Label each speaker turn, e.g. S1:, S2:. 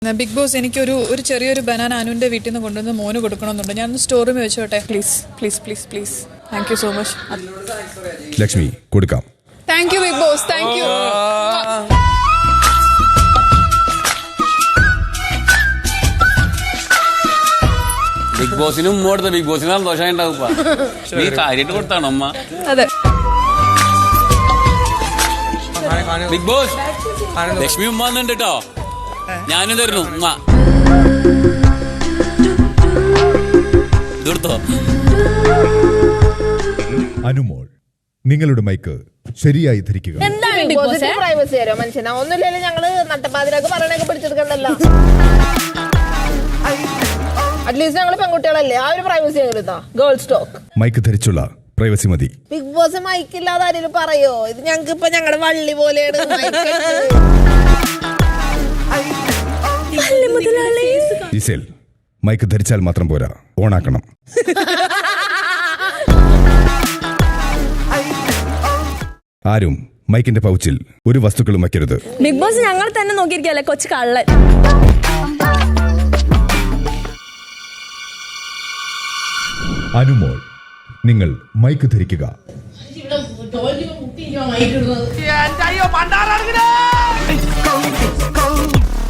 S1: Big boss ഒരു ചെറിയൊരു banana അനുവിന്റെ വീട്ടിൽ നിന്ന് കൊണ്ടുവന്ന് മോന് കൊടുക്കണമെന്നുണ്ട്. ഞാൻ സ്റ്റോർ റൂമിൽ വെച്ചോട്ടെ. Please please please please. Thank you so much.
S2: Lakshmi കൊടുക്കാം.
S1: Thank you Bigg Boss. Thank you.
S3: Bigg ബോസിനും ഉമ്മ കൊടുത്ത ബിഗ് ബോസിന് സന്തോഷമായി ഉണ്ടാവുക. നീ കാര്യമായിട്ട് കൊടുത്താണോ അമ്മ?
S1: അതെ.
S3: ബിഗ് ബോസ് ലക്ഷ്മി ഉമ്മ വന്നിട്ടുണ്ട് കേട്ടോ. ഞാനും തരുന്നു ഉമ്മ. ഇതെടുത്തോ.
S2: അനുമോൾ, നിങ്ങളുടെ മൈക്ക് ശരിയായി ധരിക്കുക.
S4: പ്രൈവസി തരോ മനുഷ്യനാ? ഒന്നുമില്ലല്ലോ, ഞങ്ങള് നട്ടപ്പാതിരാക്ക് പറയണൊക്കെ പിടിച്ചെടുക്കണ്ടല്ലോ. അറ്റ്ലീസ്റ്റ് ഞങ്ങള് പെൺകുട്ടികളല്ലേ, ആ ഒരു പ്രൈവസി ഞങ്ങൾ ഗേൾസ് ടോക്ക്.
S2: മൈക്ക് ധരിച്ചുള്ള പ്രൈവസി മതി.
S4: ബിഗ് ബോസ് മൈക്കില്ലാതെ ആരെങ്കിലും പറയോ? ഇത് ഞങ്ങൾക്ക് ഇപ്പൊ ഞങ്ങളുടെ വള്ളി പോലെയാണ്.
S2: ജിസേൽ, മൈക്ക് ധരിച്ചാൽ മാത്രം പോരാ, ഓണാക്കണം. ആരും മൈക്കിന്റെ പൗച്ചിൽ ഒരു വസ്തുക്കളും വയ്ക്കരുത്.
S5: ബിഗ് ബോസ് ഞങ്ങൾ തന്നെ നോക്കിയിരിക്കല്ലേ കൊച്ചു കള്ളൻ.
S2: അനുമോൾ, നിങ്ങൾ മൈക്ക് ധരിക്കുക.
S6: അയ്യോ